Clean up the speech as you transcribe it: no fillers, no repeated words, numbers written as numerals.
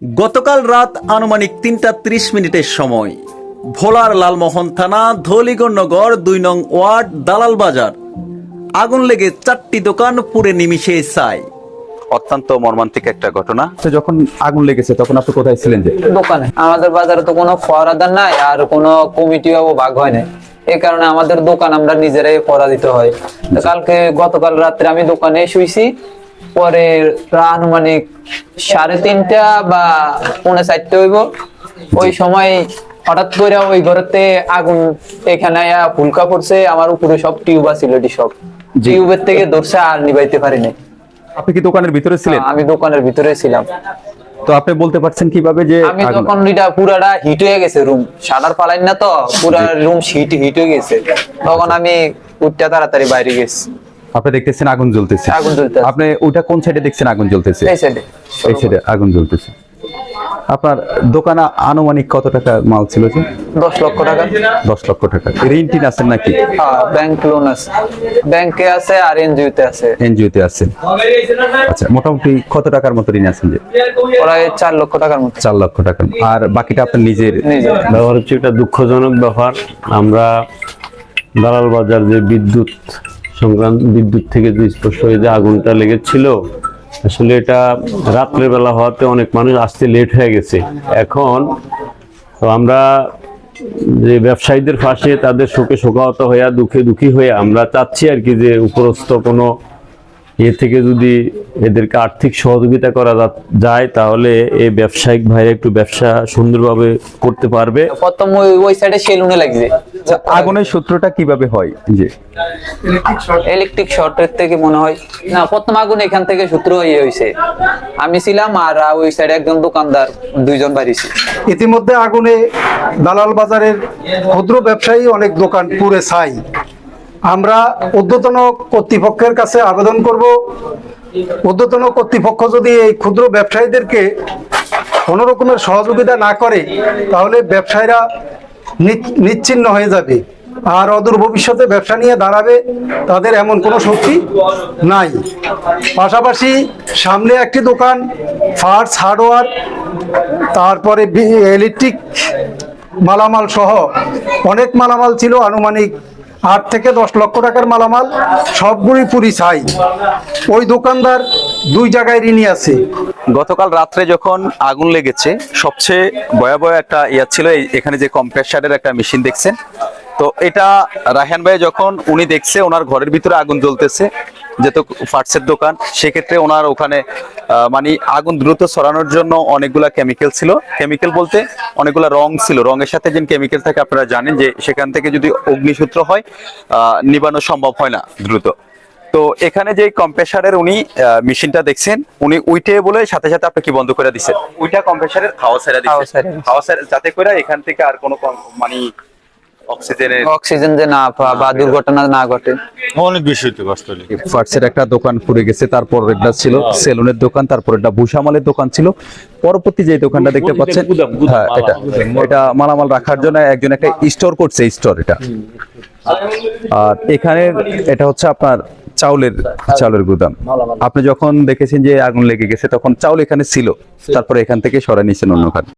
গতকাল রাত আনুমানিক ৩টা ৩০ মিনিটের সময় ভোলার লালমোহন থানা ধলিগড়নগর ২ নং ওয়ার্ড দালাল বাজার আগুন লেগে ৪টি দোকান পুড়ে নিমিষে ছাই। অত্যন্ত মর্মান্তিক একটা ঘটনা। যখন আগুন লেগেছে তখন আপনি কোথায় ছিলেন? যে দোকানে। আমাদের বাজারে তো কোনো ফরাদার নাই আর কোনো কমিটিও ভাগ হয় না, এই কারণে আমাদের দোকান আমরা নিজেরাই পড়া দিতে হয়। গতকাল রাত্রে আমি দোকানে শুইছি, পরে আনুমানিক 3:30 বা 3:45 হইব, ওই সময় হঠাৎ করে ওই ঘরেতে আগুন এখানে ফুলকা পড়ছে। আমার উপরে সব টিউব আছিল, সব টিউবের থেকে ধরছে, আর নিবাইতে পারিনি। আপনি কি দোকানের ভিতরে ছিলেন? আমি দোকানের ভিতরে ছিলাম। তো আপনি বলতে পারছেন কিভাবে যে আমি তখন এটা পুরাটা হিট হয়ে গেছে, রুম শাটার ফালাইন না তো, পুরা রুম হিট হয়ে গেছে। তখন আমি উঠতে তাড়াতাড়ি বাইরে গেছি। আপনি দেখতেছেন আগুন জ্বলতেছে? আগুন জ্বলতেছে। আপনি ওইটা কোন সাইডে দেখছেন আগুন জ্বলতেছে? এই সাইডে। এই সাইডে আগুন জ্বলতেছে। আপনার দোকানে আনুমানিক কত টাকা মাল ছিল? যে 10 লক্ষ টাকা। 10 লক্ষ টাকা। ঋণ টিন আছেন নাকি? হ্যাঁ, ব্যাংক লোন আছে, ব্যাংকে আছে আর এনজিওতে আছে। এনজিওতে আছেন। আচ্ছা, মোটামুটি কত টাকার মতো ঋণ আছেন? যে প্রায় 4 লক্ষ টাকার মতো। 4 লক্ষ টাকা। আর বাকিটা আপনার নিজের? ব্যবহার হচ্ছে একটা দুঃখজনক ব্যাপার। আমরা দালাল বাজার যে বিদ্যুৎ থেকে যে স্পষ্ট হয়ে যে আগুনটা লেগেছিল, আসলে এটা রাত্রের বেলা হওয়াতে অনেক মানুষ আসতে লেট হয়ে গেছে। এখন তো আমরা যে ব্যবসায়ীদের পাশে, তাদের শোকে শোকাহত হইয়া, দুঃখে দুঃখী হয়ে আমরা চাচ্ছি আর কি যে উপরস্থ কোনো থেকে যদি এদেরকে আর্থিক সহযোগিতা করা যায়, তাহলে এই ব্যবসায়িক ভাইরা একটু ব্যবসা সুন্দরভাবে করতে পারবে। প্রথম ওই সাইডে সেলুনে লাগছে। আগুনের সূত্রটা কিভাবে হয়? যে ইলেকট্রিক শর্টের থেকে মনে হয় না, প্রথম আগুন এখান থেকে সূত্র হয়েছে। আমি ছিলাম আর ওই সাইডে একজন দোকানদার, দুইজন বাড়িছি। ইতিমধ্যে আগুনে দালাল বাজারের ক্ষুদ্র ব্যবসায়ী অনেক দোকান পুড়ে ছাই। আমরা ঊর্ধ্বতন কর্তৃপক্ষের কাছে আবেদন করব, ঊর্ধ্বতন কর্তৃপক্ষ যদি এই ক্ষুদ্র ব্যবসায়ীদেরকে কোনো রকমের সহযোগিতা না করে, তাহলে ব্যবসায়ীরা নিশ্চিহ্ন হয়ে যাবে আর অদূর ভবিষ্যতে ব্যবসা নিয়ে দাঁড়াবে তাদের এমন কোনো শক্তি নাই। পাশাপাশি সামনে একটি দোকান, ফার্স হার্ডওয়্যার, তারপরে ইলেকট্রিক মালামাল সহ অনেক মালামাল ছিল, আনুমানিক 8 থেকে 10 লক্ষ টাকার মালামাল, সবগুলি পুরি ছাই। ওই দোকানদার 2 জায়গায় ঋণী আছে। গতকাল রাত্রে যখন আগুন লেগেছে, সবচেয়ে ভয়াবহ একটা ছিল এখানে যে কম্প্রেসারের একটা মেশিন দেখছেন। তো এটা রায়হান ভাই যখন উনি দেখছে ওনার ঘরের ভিতরে আগুন জ্বলতেছে, যেহেতু ফার্সের দোকান, সেক্ষেত্রে ওনার ওখানে মানে আগুন দ্রুত ছড়ানোর জন্য অনেকগুলা কেমিক্যাল ছিল। কেমিক্যাল বলতে অনেকগুলা রং ছিল। রঙের সাথে যে কেমিক্যাল থাকে আপনারা জানেন যে সেখান থেকে যদি অগ্নিসূত্র হয়, নিবানো সম্ভব হয় না দ্রুত। তো এখানে যে কম্প্রেসারের উনি মেশিনটা দেখছেন, উনি উইটে বলে সাথে সাথে আপনি কি বন্ধ করে দিচ্ছেন, ওইটা কম্প্রেসারের হাওয়া ছেড়ে দিচ্ছেন, হাওয়া যাতে করে এখান থেকে আর কোনো মানে অক্সিজেন যে না বা দুর্ঘটনা না ঘটে। অনেক বেশি কষ্ট হলো। ফার্সের একটা দোকান পুড়ে গেছে, তারপর এটা ছিল সেলুনের দোকান, তারপর এটা ভুষামালের দোকান ছিল। পরবর্তী যে দোকানটা দেখতে পাচ্ছেন, হ্যাঁ, এটা মালামাল রাখার জন্য একজন একটা স্টোর করছে, স্টোর এটা। আর এখানে এটা হচ্ছে আপনার চাউলের গুদাম। আপনি যখন দেখেছেন যে আগুন লেগে গেছে, তখন চাউল এখানে ছিল, তারপরে এখান থেকে সরাই নিয়েছেন অন্যখানে।